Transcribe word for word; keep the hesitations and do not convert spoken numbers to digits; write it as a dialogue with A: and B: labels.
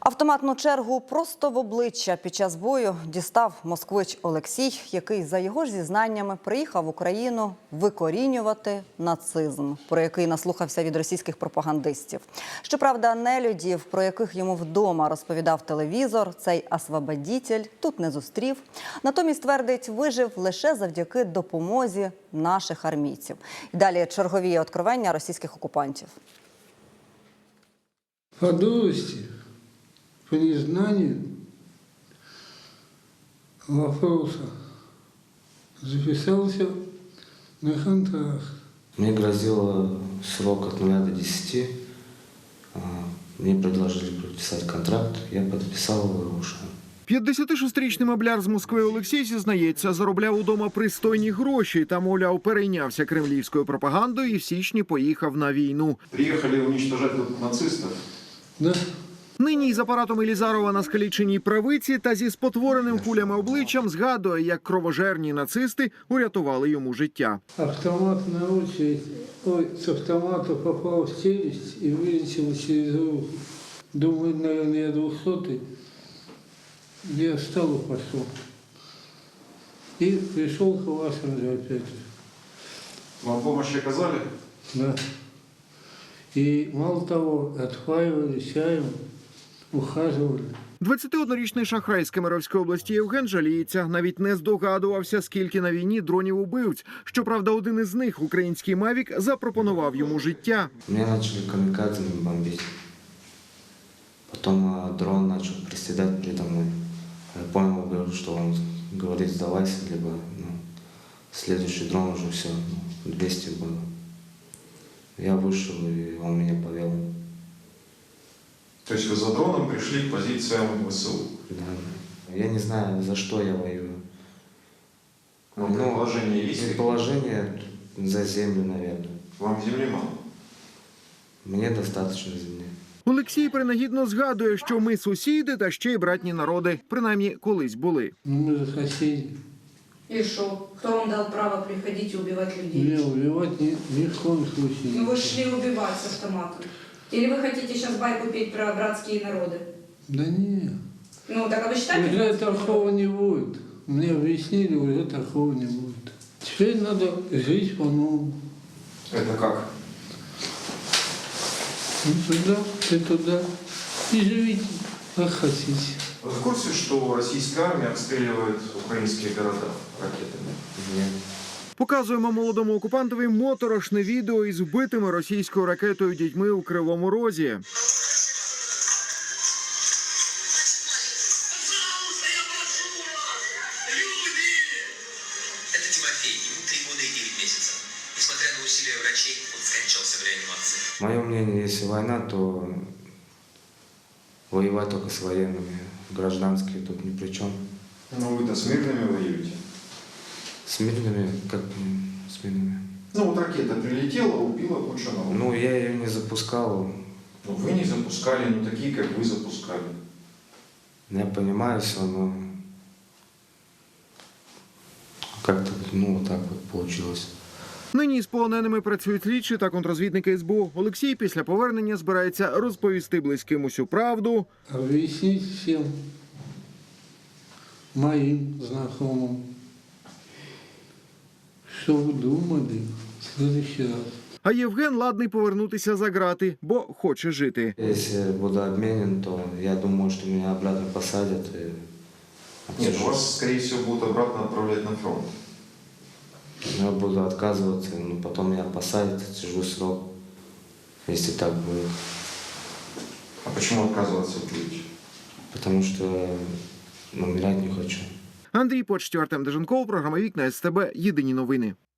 A: Автоматну чергу просто в обличчя під час бою дістав москвич Олексій, який, за його ж зізнаннями, приїхав в Україну викорінювати нацизм, про який наслухався від російських пропагандистів. Щоправда, нелюдів, про яких йому вдома розповідав телевізор, цей освободітель тут не зустрів. Натомість, твердить, вижив лише завдяки допомозі наших армійців. І далі чергові откровення російських окупантів.
B: По дурости, по незнанию вопроса записался на контракт.
C: Мне грозил срок от нуля до десяти. Мне предложили подписать контракт, я подписал его и ушел.
D: п'ятдесятишестирічний мабляр з Москви Олексій, зізнається, заробляв удома пристойні гроші та, мовляв, перейнявся кремлівською пропагандою і в січні поїхав на війну.
E: Приїхали уничтожати нацистів?
B: Да.
D: Нині із апаратом Елізарова на скаліченій правиці та зі спотвореним кулями обличчям згадує, як кровожерні нацисти урятували йому життя.
B: Автомат на очередь, ой, с автомата попал в челюсть и вылетел через руку. Думаю, наверное, я двухсотый. Я встал и пошел. И пришел к вашим же опять же.
E: Вам помощь оказали?
B: Да. И мало того, отхваивали чаем, ухаживали.
D: двадцятиоднорічний шахрай з Кемеровської області Євген жаліється. Навіть не здогадувався, скільки на війні дронів-убивць. Щоправда, один із них, український «Мавік», запропонував йому життя.
C: Меня начали камикадзами бомбить. Потом а, дрон начал приседать передо мной. Я понял, что он говорит «сдавайся», либо ну, следующий дрон уже все, ну, двести было. Я вышел, и он меня повел.
E: То есть вы за дроном пришли к позициям ВСУ?
C: Да. Я не знаю, за что я воюю.
E: Ну, предположение есть?
C: Предположение за землю, наверное.
E: Вам земли мало?
C: Мне достаточно земли.
D: Олексій принагідно згадує, що ми сусіди та ще й братні народи. Принаймні, колись були.
B: Ну, мы же соседи.
F: И что? Кто вам дал право приходить и убивать людей?
B: Не убивать ни, ни в коем случае.
F: Ну вы шли убивать с автоматом. Или вы хотите сейчас байку петь про братские народы?
B: Да не.
F: Ну так а вы считаете?
B: Уже такого не будет. Мне объяснили, уже такого не будет. Теперь надо жить по-новому.
E: Это как?
B: Ну, туда, ты туда. И живите, как хотите.
E: Вы в курсе, что российская армия обстреливает украинские города ракетами?
C: Нет.
D: Показуємо молодому окупантові моторошне відео із вбитими російською ракетою дітьми у Кривому Розі.
G: Это Тимофей, ему три года и девять месяцев. Несмотря на усилия врачей, он скончался в реанимации.
C: Мое мнение, если война, то воевать только с военными. Гражданские тут ни при чем.
E: Ну вы-то с мирными воюете.
C: С мирными, как м, с мирными?
E: Ну вот ракета прилетела, убила кучу народу.
C: Ну, я ее не запускал.
E: Ну вы не запускали, но такие, как вы, запускали.
C: Я понимаю все, но как-то, ну, вот так вот получилось.
D: Нині з полоненими працюють слідчі та контррозвідники ес бе у. Олексій після повернення збирається розповісти близьким усю правду.
B: Объяснить всем моим знакомым, что вы думали в следующий раз.
D: А Євген ладний повернутися за грати, бо хоче жити.
C: Если буду обменен, то я думаю, что меня обратно посадят. И
E: Нет, ну, вас, скорее всего, будут обратно отправлять на фронт.
C: я буду отказываться, но потом меня посадят, сижу срок, если так будет.
E: А почему отказываться будете?
C: Потому что умирать не хочу.
D: Андрій Почтів, Артем Деженков, програма «Вікна ес те бе». Єдині новини.